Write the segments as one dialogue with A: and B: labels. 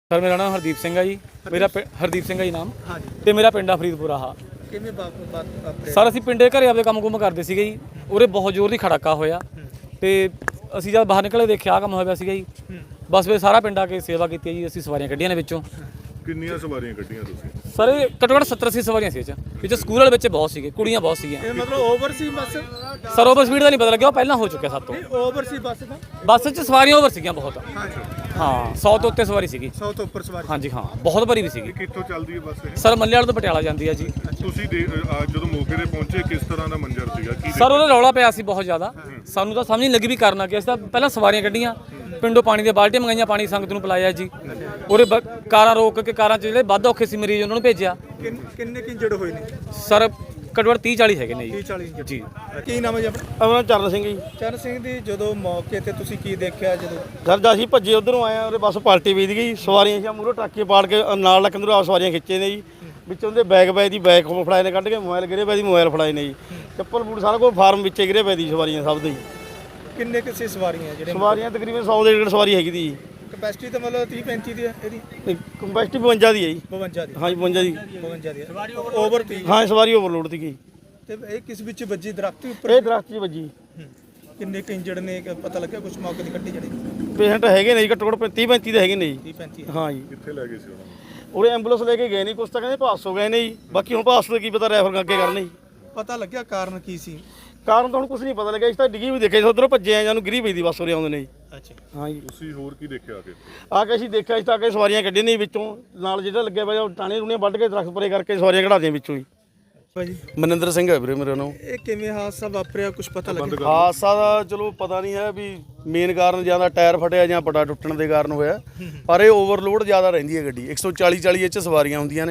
A: Sir ਮੇਰਾ ਨਾਮ ਹਰਦੀਪ ਸਿੰਘ ਹੈ ਜੀ। ਹਰਦੀਪ ਸਿੰਘ ਹੈ ਜੀ ਨਾਮ।
B: ਹਾਂਜੀ।
A: ਤੇ ਮੇਰਾ ਪਿੰਡ ਆ ਫਰੀਦਪੁਰ ਆ।
B: ਕਿਵੇਂ ਵਾਪਰਿਆ?
A: ਸਰ ਅਸੀਂ ਪਿੰਡੇ ਘਰੇ ਆਪਦੇ ਕੰਮ ਕਰਦੇ ਸੀਗੇ ਜੀ। ਉਰੇ ਬਹੁਤ ਜ਼ੋਰ ਦੀ ਖੜਾਕਾ ਹੋਇਆ ਤੇ ਅਸੀਂ ਜਦ ਬਾਹਰ ਨਿਕਲੇ ਦੇਖਿਆ ਆਹ ਕੰਮ ਹੋਇਆ ਪਿਆ ਸੀਗਾ ਜੀ। ਬਸ ਫਿਰ ਸਾਰਾ ਪਿੰਡ ਆ ਕੇ ਸੇਵਾ ਕੀਤੀ ਜੀ। ਅਸੀਂ ਸਵਾਰੀਆਂ ਕੱਢੀਆਂ ਨੇ ਵਿੱਚੋਂ।
C: ਕਿੰਨੀਆਂ ਸਵਾਰੀਆਂ ਕੱਢੀਆਂ ਤੁਸੀਂ?
A: ਸਰ ਇਹ ਘੱਟੋ ਘੱਟ 70-80 ਸਵਾਰੀਆਂ ਸੀ ਵਿੱਚ ਸਕੂਲ ਵਾਲੇ ਬੱਚੇ ਬਹੁਤ ਸੀਗੇ, ਕੁੜੀਆਂ ਬਹੁਤ ਸੀਗੀਆਂ।
B: ਇਹ ਮਤਲਬ ਓਵਰ ਸੀ ਬੱਸ?
A: ਸਰ ਓਵਰ ਸਪੀਡ ਦਾ ਨਹੀਂ ਪਤਾ ਲੱਗਿਆ, ਉਹ ਪਹਿਲਾਂ ਹੋ ਚੁੱਕਿਆ ਸਾਡੇ ਤੋਂ।
B: ਓਵਰ ਸੀ ਬੱਸ ਦਾ?
A: ਬੱਸ 'ਚ ਸਵਾਰੀਆਂ ਓਵਰ ਸੀਗੀਆਂ ਬਹੁਤ।
B: ਹਾਂਜੀ।
A: ਹਾਂ 100 ਤੋਂ ਉੱਤੇ ਸਵਾਰੀ ਸੀਗੀ।
B: 100 ਤੋਂ ਉੱਪਰ ਸਵਾਰੀ?
A: ਹਾਂਜੀ ਹਾਂ, ਬਹੁਤ ਭਰੀ ਵੀ ਸੀਗੀ।
C: ਕਿੱਥੋਂ ਚੱਲਦੀ ਹੈ ਬੱਸ ਇਹ?
A: ਸਰ ਮੱਲੇ ਵਾਲੇ ਤੋਂ ਪਟਿਆਲਾ ਜਾਂਦੀ ਆ ਜੀ।
C: ਤੁਸੀਂ ਜਦੋਂ ਮੌਕੇ ਤੇ ਪਹੁੰਚੇ ਕਿਸ ਤਰ੍ਹਾਂ ਦਾ ਮੰਜ਼ਰ ਸੀਗਾ? ਕੀ
A: ਸਰ ਉਹਦਾ ਰੌਲਾ ਪਿਆ ਸੀ ਬਹੁਤ ਜ਼ਿਆਦਾ। ਸਾਨੂੰ ਤਾਂ ਸਮਝ ਨਹੀਂ ਲੱਗੀ ਵੀ ਕਰਨਾ ਕੀ। ਅਸੀਂ ਤਾਂ ਪਹਿਲਾਂ ਸਵਾਰੀਆਂ ਕੱਢੀਆਂ, ਪਿੰਡੋਂ ਪਾਣੀ ਦੀਆਂ ਬਾਲਟੀਆਂ ਮੰਗਾਈਆਂ, ਪਾਣੀ ਸੰਗਤ ਨੂੰ ਪਿਲਾਇਆ ਜੀ। ਉਹਦੇ ਕਾਰਾਂ ਰੋਕ ਕੇ, ਕਾਰਾਂ 'ਚ ਜਿਹੜੇ ਵੱਧ ਔਖੇ ਸੀ ਮਰੀਜ਼ ਉਹਨਾਂ ਨੂੰ ਭੇਜਿਆ।
B: ਕਿੰਨੇ ਇੰਜਰਡ ਹੋਏ ਨੇ?
A: ਸਰ ਘੱਟੋ ਘੱਟ 30-40 ਹੈਗੇ ਨੇ ਜੀ।
B: 30-40
A: ਜੀ।
B: ਕੀ ਨਾਮ ਹੈ ਜੀ ਆਪਣਾ?
D: ਆਪਣਾ ਚਰਨ ਸਿੰਘ ਜੀ।
B: ਚਰਨ ਸਿੰਘ ਦੀ ਜਦੋਂ ਮੌਕੇ ਤੇ ਤੁਸੀਂ ਕੀ ਦੇਖਿਆ ਜਦੋਂ?
D: ਸਰ ਜਦ ਅਸੀਂ ਭੱਜੇ ਉਧਰੋਂ ਆਏ ਆ, ਉਹਦੇ ਬੱਸ ਪਲਟੀ ਵੀਦ ਗਈ। ਸਵਾਰੀਆਂ ਸੀ ਮੂਹਰੋਂ ਟਰੱਕੇ ਪਾੜ ਕੇ ਨਾਲ ਲੱਕੰਦਰੋਂ ਆਪ ਸਵਾਰੀਆਂ ਖਿੱਚੇ ਨੇ ਜੀ। ਵਿੱਚੋਂ ਦੇ ਬੈਗ ਦੀ ਬੈਗ ਫੜਾਏ ਨੇ ਕੱਢ ਕੇ, ਮੋਬਾਈਲ ਗਿਰੇ ਪਏ ਦੀ ਮੋਬਾਈਲ ਫੜਾਏ ਨੇ ਜੀ। ਚੱਪਲ ਬੂਟ ਸਾਰਾ ਕੁਝ ਫਾਰਮ ਵਿੱਚੇ ਗਿਰੇ ਪਏ ਦੀ ਸਵਾਰੀਆਂ ਸਭ ਦੇ ਜੀ।
B: ਕਿੰਨੇ ਕਿਸੇ ਸਵਾਰੀਆਂ ਜਿਹੜੇ?
D: ਸਵਾਰੀਆਂ ਤਕਰੀਬਨ 100 ਦੇ ਡੇਢ ਸਵਾਰੀ ਹੈਗੀ ਦੀ ਜੀ।
B: ਕਪੈਸਿਟੀ ਤਾਂ ਮਤਲਬ 30-35 ਦੀ ਹੈ ਇਹਦੀ?
D: ਕੰਪੈਸਿਟੀ 52 ਦੀ ਹੈ ਜੀ।
B: 52 ਦੀ?
D: ਹਾਂਜੀ 52 ਦੀ।
B: 52 ਦੀ ਸਵਾਰੀ ਓਵਰ ਤੀ?
D: ਹਾਂ ਸਵਾਰੀ ਓਵਰਲੋਡ ਸੀਗੀ।
B: ਤੇ ਇਹ ਕਿਸ ਵਿੱਚ ਵੱਜੀ? ਦਰਖਤ ਦੇ ਉੱਪਰ?
D: ਇਹ ਦਰਖਤ 'ਚ ਵੱਜੀ।
B: ਕਿੰਨੇ ਕੁ ਇੰਜਰਡ ਨੇ ਪਤਾ ਲੱਗਿਆ ਕੁਝ ਮੌਕੇ ਦੀ ਕੱਢੀ ਜਿਹੜੇ?
D: ਪੇਸ਼ੈਂਟ ਹੈਗੇ ਨੇ ਜੀ ਘੱਟੋ ਘੱਟ 30-35 ਦੇ ਹੈਗੇ ਨੇ ਜੀ।
B: 30-35?
D: ਹਾਂ ਜੀ।
C: ਕਿੱਥੇ ਲੈ ਗਏ ਸੀ ਉਹਨਾਂ ਨੂੰ?
D: ਉਹਦੇ ਐਂਬੂਲੈਂਸ ਲੈ ਕੇ ਗਏ ਨਹੀਂ, ਕੁਛ ਤਾਂ ਕਹਿੰਦੇ ਪਾਸ ਹੋ ਗਏ ਨੇ ਜੀ। ਬਾਕੀ ਹੁਣ ਪਾਸ ਤੋਂ ਕੀ ਪਤਾ ਰੈਫਰ ਅੱਗੇ ਕਰਨੇ ਜੀ।
B: ਪਤਾ ਲੱਗਿਆ ਕਾਰਨ ਕੀ ਸੀ?
D: ਕਾਰਨ ਤਾਂ ਹੁਣ ਕੁਝ ਨਹੀਂ ਪਤਾ ਲੱਗਿਆ। ਇਸ ਤਾਂ ਡਿੱਗੀ ਵੀ ਦੇਖਿਆ, ਉਧਰੋਂ ਭੱਜੇ ਆ, ਜਾਨੂੰ ਗਿਰੀ ਪਈ ਦੀ ਬੱਸ ਉਰੇ ਆਉਂਦੇ ਨੇ ਜੀ।
B: ਅੱਛਾ।
D: ਹਾਂ ਜੀ।
C: ਤੁਸੀਂ ਹੋਰ ਕੀ ਦੇਖਿਆ ਕਿ
D: ਆ ਕੇ ਅਸੀਂ ਦੇਖਿਆ, ਇਸ ਤਾਂ ਆ ਕੇ ਸਵਾਰੀਆਂ ਕੱਢੀਆਂ ਨੇ ਵਿੱਚੋਂ। ਨਾਲ ਜਿਹੜਾ ਲੱਗਿਆ ਪਿਆ ਉਹ ਟਾਣੇ ਰੂਣੇ ਵੱਢ ਕੇ ਦਰਖਤ ਪਰੇ ਕਰਕੇ ਸਵਾਰੀਆਂ ਕਢਾ ਦੀਆਂ ਵਿੱਚੋਂ ਹੀ।
B: ਭਾਜੀ
D: ਮਨਿੰਦਰ ਸਿੰਘ ਹੈ ਵੀਰੇ ਮੇਰਾ ਨਾਮ।
B: ਇਹ ਕਿਵੇਂ ਹਾਦਸਾ ਵਾਪਰਿਆ, ਕੁਝ ਪਤਾ ਲੱਗਿਆ?
D: ਹਾਦਸਾ ਦਾ ਚਲੋ ਪਤਾ ਨਹੀਂ ਹੈ ਵੀ ਮੇਨ ਕਾਰਨ ਜਾਂ ਤਾਂ ਟਾਇਰ ਫਟਿਆ ਜਾਂ ਪਟਾ ਟੁੱਟਣ ਦੇ ਕਾਰਨ ਹੋਇਆ, ਪਰ ਇਹ ਓਵਰਲੋਡ ਜ਼ਿਆਦਾ ਰਹਿੰਦੀ ਹੈ ਗੱਡੀ। 140 ਇਹ 'ਚ ਸਵਾਰੀਆਂ ਹੁੰਦੀਆਂ ਨੇ।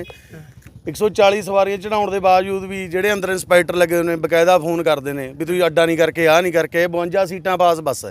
D: 140 ਸਵਾਰੀਆਂ ਚੜਾਉਣ ਦੇ ਬਾਵਜੂਦ ਵੀ ਜਿਹੜੇ ਅੰਦਰ ਇੰਸਪੈਕਟਰ ਲੱਗੇ ਹੋਏ ਨੇ ਬਕਾਇਦਾ ਫੋਨ ਕਰਦੇ ਨੇ ਵੀ ਤੁਸੀਂ ਅੱਡਾ ਨਹੀਂ ਕਰਕੇ, ਆਹ ਨਹੀਂ ਕਰਕੇ। 52 ਸੀਟਾਂ ਪਾਸ ਬੱਸ ਹੈ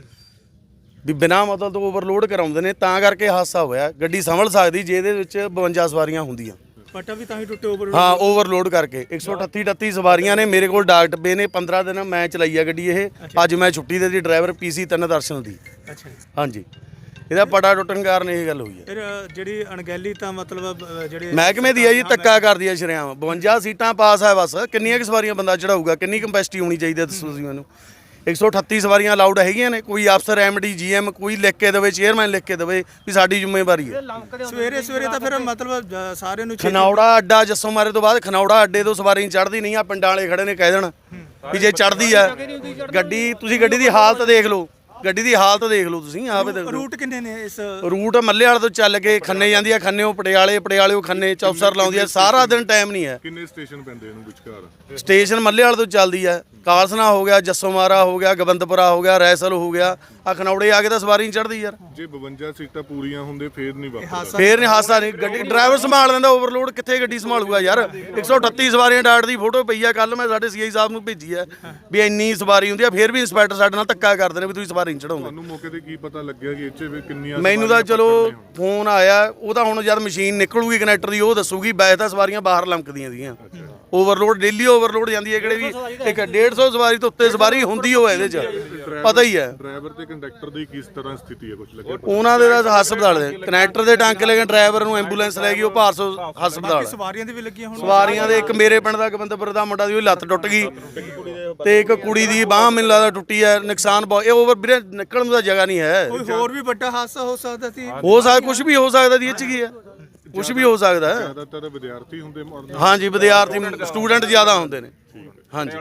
D: ਵੀ ਬਿਨਾਂ ਮਤਲਬ ਤੋਂ ਓਵਰਲੋਡ ਕਰਾਉਂਦੇ ਨੇ, ਤਾਂ ਕਰਕੇ ਹਾਦਸਾ ਹੋਇਆ। ਗੱਡੀ ਸੰਭਲ ਸਕਦੀ ਜੇ ਇਹਦੇ ਵਿੱਚ 52 ਸਵਾਰੀਆਂ ਹੁੰਦੀਆਂ।
B: ਪਟਾ ਵੀ ਤਾਂ ਹੀ ਟੁੱਟੇ ਓਵਰ?
D: ਹਾਂ ਓਵਰਲੋਡ ਕਰਕੇ। 138 ਸਵਾਰੀਆਂ ਨੇ। ਮੇਰੇ ਕੋਲ ਡਾਕ ਡੱਬੇ ਨੇ। 15 ਦਿਨ ਮੈਂ ਚਲਾਈ ਆ ਗੱਡੀ ਇਹ। ਅੱਜ ਮੈਂ ਛੁੱਟੀ ਦੇ ਦੀ ਡਰਾਈਵਰ PC 3 ਦਰਸ਼ਨ ਦੀ।
B: ਅੱਛਾ।
D: ਹਾਂਜੀ। ਇਹਦਾ ਪਟਾ ਟੁੱਟਣ ਕਾਰਨ ਇਹ ਗੱਲ ਹੋਈ ਹੈ।
B: ਫਿਰ ਜਿਹੜੀ ਅਣਗਹਿਲੀ ਤਾਂ ਮਤਲਬ ਜਿਹੜੇ
D: ਮਹਿਕਮੇ ਦੀ ਹੈ ਜੀ, ਧੱਕਾ ਕਰਦੀ ਹੈ ਸ਼ਰਿਆਮ। 52 ਸੀਟਾਂ ਪਾਸ ਹੈ ਬਸ। ਕਿੰਨੀਆਂ ਕਿ ਸਵਾਰੀਆਂ ਬੰਦਾ ਚੜਾਊਗਾ? ਕਿੰਨੀ ਕੰਪੈਸਿਟੀ ਹੋਣੀ ਚਾਹੀਦੀ ਹੈ ਦੱਸੋ ਤੁਸੀਂ ਮੈਨੂੰ। 138 ਸਵਾਰੀਆਂ ਅਲਾਉਡ ਹੈਗੀਆਂ ਨੇ। ਕੋਈ ਅਫਸਰ MD GM ਕੋਈ ਲਿਖ ਕੇ ਦੇਵੇ, ਚੇਅਰਮੈਨ ਲਿਖ ਕੇ ਦੇਵੇ ਵੀ ਸਾਡੀ ਜ਼ਿੰਮੇਵਾਰੀ ਹੈ।
B: ਸਵੇਰੇ ਤਾਂ ਫਿਰ ਮਤਲਬ ਸਾਰਿਆਂ ਨੂੰ
D: ਖਨੌੜਾ ਅੱਡਾ ਜੱਸੋ ਮਾਰੇ ਤੋਂ ਬਾਅਦ ਖਨੌੜਾ ਅੱਡੇ ਤੋਂ ਸਵਾਰੀ ਚੜ੍ਹਦੀ ਨਹੀਂ ਆ। ਪਿੰਡਾਂ ਵਾਲੇ ਖੜੇ ਨੇ ਕਹਿ ਦੇਣ ਵੀ ਜੇ ਚੜ੍ਹਦੀ ਆ ਗੱਡੀ। ਤੁਸੀਂ ਗੱਡੀ ਦੀ ਹਾਲਤ ਦੇਖ ਲਓ, ਗੱਡੀ ਦੀ ਹਾਲਤ ਦੇਖ ਲਓ ਤੁਸੀਂ ਆਪੇ ਦੇਖ ਲਓ।
B: ਰੂਟ ਕਿੰਨੇ ਨੇ ਇਸ?
D: ਰੂਟ ਮੱਲੇ ਵਾਲੇ ਤੋਂ ਚੱਲ ਕੇ ਖੰਨੇ ਜਾਂਦੀ ਆ, ਖੰਨੇੋਂ ਪਟਿਆਲੇ ਖੰਨੇ ਚੌਪਸਰ ਲਾਉਂਦੀ ਆ। ਸਾਰਾ ਦਿਨ ਟਾਈਮ ਨਹੀਂ ਹੈ।
C: ਕਿੰਨੇ ਸਟੇਸ਼ਨ ਪੈਂਦੇ ਇਹਨੂੰ ਵਿਚਕਾਰ?
D: ਸਟੇਸ਼ਨ ਮੱਲੇ ਵਾਲੇ ਤੋਂ ਚੱਲਦੀ ਆ, ਕਾਲਸਨਾ ਹੋ ਗਿਆ, ਜੱਸੋ ਮਾਰਾ ਹੋ ਗਿਆ, ਗੋਬਿੰਦਪੁਰਾ ਹੋ ਗਿਆ, ਰੈਸਲ ਹੋ ਗਿਆ। ਆ ਖਨੌੜੇ ਆ ਕੇ ਤਾਂ ਸਵਾਰੀ ਨਹੀਂ ਚੜ੍ਹਦੀ ਯਾਰ।
C: ਜੇ 52 ਸੀਟਾਂ ਪੂਰੀਆਂ ਹੁੰਦੇ ਫੇਰ ਨਹੀਂ ਵਾਪਰਦਾ?
D: ਫੇਰ ਨਹੀਂ ਹਾਦਸਾ ਨਹੀਂ। ਗੱਡੀ ਡਰਾਈਵਰ ਸੰਭਾਲ ਲੈਂਦਾ, ਓਵਰਲੋਡ ਕਿੱਥੇ ਗੱਡੀ ਸੰਭਾਲੂਗਾ ਯਾਰ। 138 ਸਵਾਰੀਆਂ ਡਾਟ ਦੀ ਫੋਟੋ ਪਈ ਆ, ਕੱਲ ਮੈਂ ਸਾਡੇ CI ਸਾਹਿਬ ਨੂੰ ਭੇਜੀ ਆ ਵੀ ਇੰਨੀ ਸਵਾਰੀ ਹੁੰਦੀ ਆ। ਫੇਰ ਵੀ ਇੰਸਪੈਕਟਰ ਸਾਡੇ ਨਾਲ ਧੱਕਾ ਕਰਦੇ ਨੇ ਵੀ ਤੁਸੀਂ ਸਵਾਰੀ ਨਹੀਂ ਚੜਾਉਂਦੇ।
C: ਤੁਹਾਨੂੰ ਮੌਕੇ ਤੇ ਕੀ ਪਤਾ ਲੱਗਿਆ ਕਿ ਇੱਥੇ ਵੀ ਕਿੰਨੀਆਂ?
D: ਮੈਨੂੰ ਤਾਂ ਚਲੋ ਫੋਨ ਆਇਆ, ਉਹ ਤਾਂ ਹੁਣ ਜਦ ਮਸ਼ੀਨ ਨਿਕਲੂਗੀ ਕਨੈਕਟਰ ਦੀ ਉਹ ਦੱਸੂਗੀ। ਵੈਸੇ ਤਾਂ ਸਵਾਰੀਆਂ ਬਾਹਰ ਲੰਕਦੀਆਂ ਸੀਗੀਆਂ। ਓਵਰਲੋਡ ਡੇਲੀ ਓਵਰਲੋਡ ਜਾਂਦੀ ਹੈ। ਕਿਹੜੇ ਵੀ ਇੱਕ 150 ਸਵਾਰੀ ਤੋਂ ਉੱਤੇ ਸਵਾਰੀ ਹੁੰਦੀ ਹੋਵੇ ਇਹਦੇ 'ਚ ਪਤਾ ਹੀ ਹੈ।
C: ਡਰਾਈਵਰ ਤੇ ਕੰਡਕਟਰ ਦੀ ਕਿਸ ਤਰ੍ਹਾਂ ਸਥਿਤੀ ਹੈ, ਕੁਝ ਲੱਗਿਆ?
D: ਉਹਨਾਂ ਦੇ ਤਾਂ ਹਸਪਤਾਲ ਦੇ ਕਨੈਕਟਰ ਦੇ ਟਾਂਕੇ ਲੈ ਕੇ ਡਰਾਈਵਰ ਨੂੰ ਐਂਬੂਲੈਂਸ ਲੈ ਗਈ, ਉਹ ਭਾਰਸੋ ਹਸਪਤਾਲ।
B: ਸਵਾਰੀਆਂ ਦੇ ਵੀ ਲੱਗੀਆਂ ਹੁਣ?
D: ਸਵਾਰੀਆਂ ਦੇ ਇੱਕ ਮੇਰੇ ਪਿੰਡ ਦਾ ਗੋਬਿੰਦਪੁਰ ਦਾ ਮੁੰਡਾ ਦੀ ਉਹ ਲੱਤ ਟੁੱਟ ਗਈ ਤੇ ਇੱਕ ਕੁੜੀ ਦੀ ਬਾਂਹ ਮੈਨੂੰ ਲੱਗਦਾ ਟੁੱਟੀ ਹੈ। ਨੁਕਸਾਨ ਬਹੁਤ। ਇਹ ਓਵਰ ਵੀਰੇ ਨਿਕਲਣ ਨੂੰ ਤਾਂ ਜਗ੍ਹਾ ਨਹੀਂ ਹੈ।
B: ਕੋਈ ਹੋਰ ਵੀ ਵੱਡਾ ਹਾਦਸਾ ਹੋ ਸਕਦਾ ਸੀ?
D: ਹੋ ਸਕਦਾ, ਕੁਝ ਵੀ ਹੋ ਸਕਦਾ ਦੀ ਇਹ 'ਚ ਕੀ ਹੈ, ਕੁਝ ਵੀ ਹੋ ਸਕਦਾ ਹੈ।
C: ਜ਼ਿਆਦਾਤਰ ਵਿਦਿਆਰਥੀ ਹੁੰਦੇ ਮਰਨ?
D: ਹਾਂਜੀ ਵਿਦਿਆਰਥੀ ਸਟੂਡੈਂਟ ਜ਼ਿਆਦਾ ਹੁੰਦੇ ਨੇ। ਹਾਂਜੀ।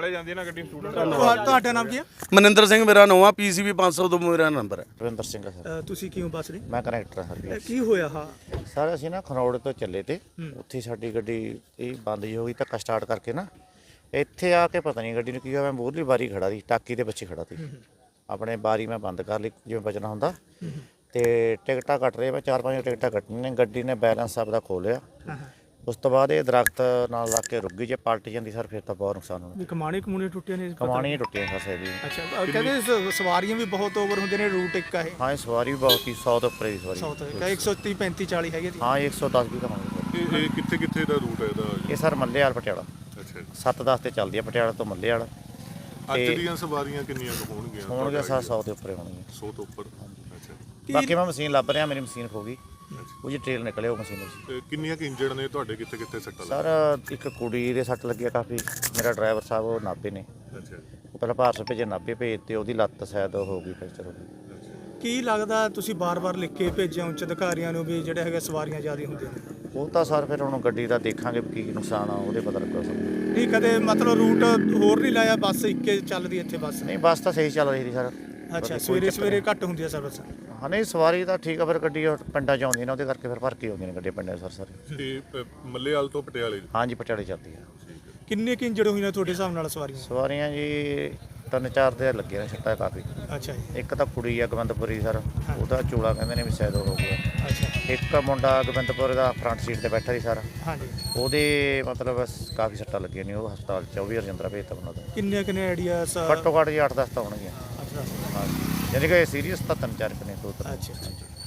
B: ਤੁਹਾਡਾ ਨਾਮ ਕੀ ਹੈ?
D: ਮਨਿੰਦਰ ਸਿੰਘ ਮੇਰਾ ਨਾਮ ਆ। PCB 500 ਤੋਂ ਮੇਰਾ ਨੰਬਰ ਹੈ।
E: ਰਵਿੰਦਰ ਸਿੰਘ ਆ ਸਰ।
B: ਤੁਸੀਂ ਕਿਉਂ ਬੱਸ ਰਹੇ?
E: ਮੈਂ ਕਨੈਕਟਰ ਹਾਂ ਸਰ।
B: ਕੀ ਹੋਇਆ? ਹਾਂ
E: ਸਰ ਅਸੀਂ ਨਾ ਖਰੋੜ ਤੋਂ ਚੱਲੇ ਤੇ ਉੱਥੇ ਸਾਡੀ ਗੱਡੀ ਇਹ ਬੰਦ ਜੀ ਹੋ ਗਈ, ਧੱਕਾ ਸਟਾਰਟ ਕਰਕੇ ਨਾ ਇੱਥੇ ਆ ਕੇ ਪਤਾ ਨਹੀਂ ਗੱਡੀ ਨੂੰ ਕੀ ਹੋਇਆ। ਮੈਂ ਮੂਹਰਲੀ ਬਾਰੀ ਖੜਾ ਸੀ, ਟਾਕੀ ਦੇ ਪਿੱਛੇ ਖੜਾ ਸੀ। ਆਪਣੇ ਬਾਰੀ ਮੈਂ ਬੰਦ ਕਰ ਲਈ ਜਿਵੇਂ ਬਚਣਾ ਹੁੰਦਾ ਤੇ ਟਿਕਟਾਂ ਕੱਟ ਰਹੇ। ਮੈਂ 4-5 ਟਿਕਟਾਂ ਕੱਟਣੀਆਂ ਨੇ। ਗੱਡੀ ਨੇ ਬੈਲੈਂਸ ਆਪਦਾ ਖੋ ਲਿਆ। ਉਸ ਤੋਂ ਬਾਅਦ ਇਹ ਦਰਖਤ ਨਾਲ ਲੱਗ ਕੇ ਰੁਕ ਗਈ। ਜੇ ਪਲਟ ਜਾਂਦੀ ਸਰ ਫਿਰ ਤਾਂ ਬਹੁਤ ਨੁਕਸਾਨ ਹੋਣਾ।
B: ਕਮਾਣੀ ਟੁੱਟੀਆਂ ਨੇ?
E: ਕਮਾਣੀਆਂ ਟੁੱਟੀਆਂ ਫਸੇ ਦੀ।
B: ਅੱਛਾ। ਕਹਿੰਦੇ ਸਵਾਰੀਆਂ ਵੀ ਬਹੁਤ ਓਵਰ ਹੁੰਦੇ ਨੇ। ਰੂਟ ਇੱਕ ਆ ਇਹ?
E: ਹਾਂ ਸਵਾਰੀ ਵੀ ਬਹੁਤ ਸੀ, 100 ਤੋਂ ਉੱਪਰ ਦੀ ਸਵਾਰੀ।
B: 130 35 40 ਹੈਗੇ?
E: ਹਾਂ 110 ਵੀ ਕਰਾਂਗੇ।
C: ਇਹ ਕਿੱਥੇ ਦਾ ਰੂਟ ਹੈ ਇਹਦਾ?
E: ਇਹ ਸਰ ਮੱਲੇ ਵਾਲ ਪਟਿਆਲਾ।
C: ਅੱਛਾ।
E: 7-10 ਤੇ ਚੱਲਦੀ ਆ ਪਟਿਆਲਾ ਤੋਂ ਮੱਲੇ ਵਾਲਾ।
C: ਅੱਜ ਦੀਆਂ ਸਵਾਰੀਆਂ ਕਿੰਨੀਆਂ ਹੋਣਗੀਆਂ?
E: ਹੋਣਗੇ 100 ਦੇ ਉੱਪਰ ਹੋਣਗੀਆਂ।
C: 100 ਤੋਂ ਉੱਪਰ। ਅੱਛਾ।
E: ਬਾਕੀ ਮੈਂ ਮਸ਼ੀਨ ਲੱਭ ਰਿਹਾ, ਮੇਰੀ ਮਸ਼ੀਨ ਖੋ ਗਈ। ਉਹ ਜੀ ਟ੍ਰੇਲ ਨਿਕਲੇ ਉਹ ਮਸ਼ੀਨ 'ਚ।
C: ਤੇ ਕਿੰਨੀਆਂ ਕਿ ਇੰਜਰਡ ਨੇ ਤੁਹਾਡੇ, ਕਿੱਥੇ ਕਿੱਥੇ ਸੱਟਾਂ
E: ਸਰ ਇੱਕ ਕੁੜੀ ਦੇ ਸੱਟ ਲੱਗਿਆ ਕਾਫੀ, ਮੇਰਾ ਡਰਾਈਵਰ ਸਾਹਿਬ ਉਹ ਨਾਭੇ ਨੇ,
C: ਅੱਛਾ
E: ਉਹ ਪਹਿਲਾਂ ਭਾਰਤ ਭੇਜੇ, ਨਾਭੇ ਭੇਜ ਤੇ ਉਹਦੀ ਲੱਤ ਸ਼ਾਇਦ ਹੋ ਗਈ ਫ੍ਰੈਕਚਰ ਹੋ ਗਈ।
B: ਕੀ ਲੱਗਦਾ ਤੁਸੀਂ ਬਾਰ-ਬਾਰ ਲਿਖ ਕੇ ਭੇਜਿਆ ਉੱਚ ਅਧਿਕਾਰੀਆਂ ਨੂੰ ਵੀ ਜਿਹੜੇ ਹੈਗੇ ਸਵਾਰੀਆਂ ਜ਼ਿਆਦਾ ਹੁੰਦੀਆਂ ਨੇ?
E: ਉਹ ਤਾਂ ਸਰ ਫਿਰ ਹੁਣ ਗੱਡੀ ਦਾ ਦੇਖਾਂਗੇ ਵੀ ਕੀ ਨੁਕਸਾਨ ਆ, ਉਹਦੇ ਪਤਾ ਲੱਗਾ ਸਰ।
B: ਨਹੀਂ ਕਦੇ ਮਤਲਬ ਰੂਟ ਹੋਰ ਨਹੀਂ ਲਾਇਆ, ਬੱਸ ਇੱਕੇ ਚੱਲਦੀ ਇੱਥੇ ਬੱਸ?
E: ਨਹੀਂ ਬੱਸ ਤਾਂ ਸਹੀ ਚੱਲ ਰਹੀ ਸੀ ਸਰ।
B: ਅੱਛਾ, ਸਵੇਰੇ ਘੱਟ ਹੁੰਦੀ ਹੈ ਸਰਵਿਸ?
E: ਹਾਂ ਨਹੀਂ ਸਵਾਰੀ ਤਾਂ ਠੀਕ ਆ, ਫਿਰ ਗੱਡੀ ਉਹ ਪਿੰਡਾਂ 'ਚ ਆਉਂਦੀ ਨੇ, ਉਹਦੇ ਕਰਕੇ ਫਿਰ ਭਰ ਕੇ ਆਉਂਦੀਆਂ ਨੇ ਗੱਡੀਆਂ ਪਿੰਡਾਂ 'ਚ ਸਰ ਸਾਰੇ।
C: ਤੇ ਮੱਲੇਵਾਲ ਤੋਂ ਪਟਿਆਲੇ?
E: ਹਾਂਜੀ ਪਟਿਆਲੇ ਚੱਲਦੀ ਆ।
B: ਕਿੰਨੇ ਕਿ ਇੰਜਰਡ ਹੋਈਆਂ ਤੁਹਾਡੇ ਹਿਸਾਬ ਨਾਲ ਸਵਾਰੀਆਂ?
E: ਸਵਾਰੀਆਂ ਜੀ 3-4 ਦੇ ਲੱਗੇ ਨੇ ਛੱਟਾ ਕਾਫੀ।
B: ਅੱਛਾ ਜੀ।
E: ਇੱਕ ਤਾਂ ਕੁੜੀ ਆ ਗੋਬਿੰਦਪੁਰੀ ਸਰ, ਉਹਦਾ ਚੋਲਾ ਕਹਿੰਦੇ ਨੇ ਵੀ ਸ਼ਾਇਦ ਉਹ ਹੋ ਗਿਆ।
B: ਅੱਛਾ।
E: ਇੱਕ ਮੁੰਡਾ ਗੋਬਿੰਦਪੁਰ ਦਾ ਫਰੰਟ ਸੀਟ ਤੇ ਬੈਠਾ ਸੀ ਸਰ,
B: ਹਾਂਜੀ।
E: ਉਹਦੇ ਮਤਲਬ ਕਾਫੀ ਸੱਟਾਂ ਲੱਗੀਆਂ ਨੇ, ਉਹ ਹਸਪਤਾਲ 'ਚ, ਉਹ ਵੀ ਰਜਿੰਦਰਾ ਭੇਜਤਾ ਉਹਨਾਂ ਦਾ।
B: ਕਿੰਨੇ ਆਈਡੀਆ?
E: ਘੱਟੋ ਘੱਟ ਜੀ 8-10 ਤਾਂ ਹੋਣਗੀਆਂ।
B: ਅੱਛਾ।
E: ਹਾਂਜੀ, ਯਾਨੀ ਕਿ ਸੀਰੀਅਸ ਤਾਂ 3-4 ਨੇ, 2-3।
B: ਅੱਛਾ।